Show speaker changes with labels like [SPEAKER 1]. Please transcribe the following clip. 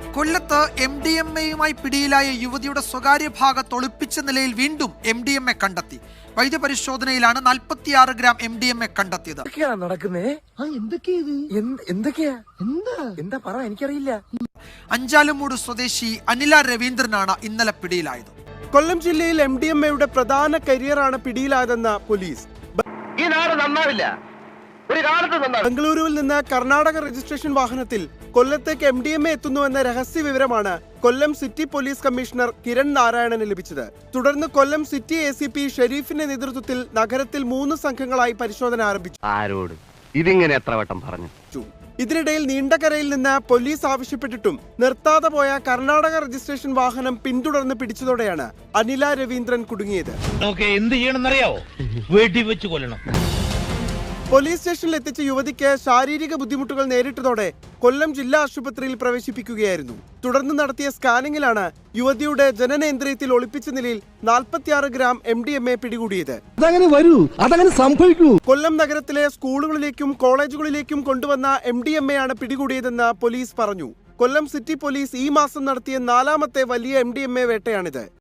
[SPEAKER 1] കൊല്ലത്ത് MDMA-യുമായി പിടിയിലായ യുവതിയുടെ സ്വകാര്യ ഭാഗത്ത് ഒളിപ്പിച്ച നിലയിൽ വീണ്ടും MDMA കണ്ടെത്തി. വൈദ്യപരിശോധനയിലാണ് 46 ഗ്രാം MDMA കണ്ടെത്തിയത്.
[SPEAKER 2] എനിക്കറിയില്ല.
[SPEAKER 1] അഞ്ചാലുമൂട് സ്വദേശി അനില രവീന്ദ്രനാണ് ഇന്നലെ പിടിയിലായത്.
[SPEAKER 3] കൊല്ലം ജില്ലയിൽ MDMA-യുടെ പ്രധാന കരിയറാണ് പിടിയിലായതെന്ന് പോലീസ്.
[SPEAKER 2] ഈ നാട് നന്നാവില്ല. ഒരു കാലത്ത് നന്നാവും.
[SPEAKER 3] ബംഗളൂരുവിൽ നിന്ന് കർണാടക രജിസ്ട്രേഷൻ വാഹനത്തിൽ കൊല്ലത്തേക്ക് MDMA എത്തുന്നുവെന്ന രഹസ്യ വിവരമാണ് Kollam city police commissioner Kiran നാരായണന് ലഭിച്ചത്. തുടർന്ന് കൊല്ലം സിറ്റി ACP ഷെരീഫിന്റെ നേതൃത്വത്തിൽ നഗരത്തിൽ 3 സംഘങ്ങളായി പരിശോധന ആരംഭിച്ചു.
[SPEAKER 2] ആരോട് ഇതിങ്ങനെ എത്ര വട്ടം പറഞ്ഞു?
[SPEAKER 3] ഇതിനിടയിൽ നീണ്ടകരയിൽ നിന്ന് പോലീസ് ആവശ്യപ്പെട്ടിട്ടും നിർത്താതെ പോയ കർണാടക രജിസ്ട്രേഷൻ വാഹനം പിന്തുടർന്ന് പിടിച്ചതോടെയാണ് അനില രവീന്ദ്രൻ കുടുങ്ങിയത്.
[SPEAKER 4] എന്ത് ചെയ്യണമെന്നറിയാവോ? വീട്ടിൽ വെച്ച് കൊല്ലണം.
[SPEAKER 3] പോലീസ് സ്റ്റേഷനിൽ എത്തിച്ച യുവതിക്ക് ശാരീരിക ബുദ്ധിമുട്ടുകൾ നേരിട്ടതോടെ കൊല്ലം ജില്ലാ ആശുപത്രിയിൽ പ്രവേശിപ്പിക്കുകയായിരുന്നു. തുടർന്ന് നടത്തിയ സ്കാനിങ്ങിലാണ് യുവതിയുടെ ജനനേന്ദ്രിയത്തിൽ ഒളിപ്പിച്ച നിലയിൽ 46 ഗ്രാം MDMA പിടികൂടിയത്. കൊല്ലം നഗരത്തിലെ സ്കൂളുകളിലേക്കും കോളേജുകളിലേക്കും കൊണ്ടുവന്ന MDMA ആണ് പിടികൂടിയതെന്ന് പോലീസ് പറഞ്ഞു. കൊല്ലം സിറ്റി പോലീസ് ഈ മാസം നടത്തിയ 4ാമത്തെ വലിയ MDMA വേട്ടയാണിത്.